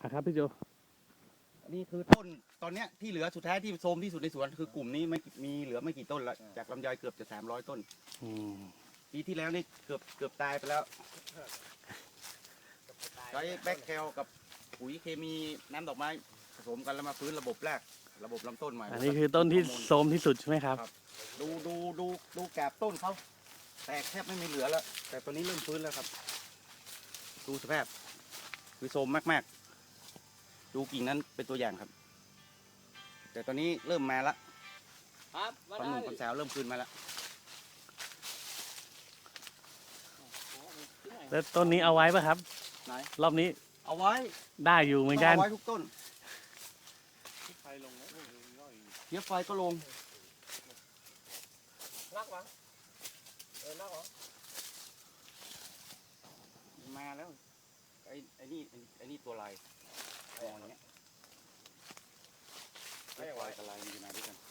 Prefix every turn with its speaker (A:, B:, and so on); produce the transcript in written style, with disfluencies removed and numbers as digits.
A: ครับพี่โจ
B: นี่คือต้นตอนเนี้ยที่เหลือสุดท้ายที่โทรมที่สุดในสวนคือกลุ่มนี้ไม่มีเหลือไม่กี่ต้นละจากลำไยเกือบจะ300 ต้น
A: อืม
B: ปีที่แล้วนี่เกือบตายไปแล้วใช้แบคแคลกับปุ๋ยเคมีน้ำดอกไม้ผสมกันแล้วมาฟื้นระบบแรกระบบลำต้นใหม่
A: อันนี้คือต้นที่โทรมที่สุดใช่ไหมครับ
B: ดูแกบต้นเขาแตกแทบไม่มีเหลือแล้วแต่ตัวนี้เริ่มฟื้นแล้วครับดูสภาพคือโทรมมากๆดูกิ่งนั้นเป็นตัวอย่างครับ แต่ตอนนี้เริ่มมาละ
C: ครับ
B: ความหนุ่มความสาวเริ่มคืนมาแล้ว
A: แล้วต้นนี้เอาไว้ป่ะครับ
B: ไหน
A: รอบนี้
B: เอาไว้
A: ได้อยู่เหมือนกัน
B: เอาไว้ทุกต้น
C: ไฟลงแล้วย่อย
B: เทียบไฟก็ลง
C: นักวะนักวะ
B: มาแล้วไอ้นี่ตัวลายมองอย่างเงี้ยเทียบไฟกับลายมันจะมาด้วยกัน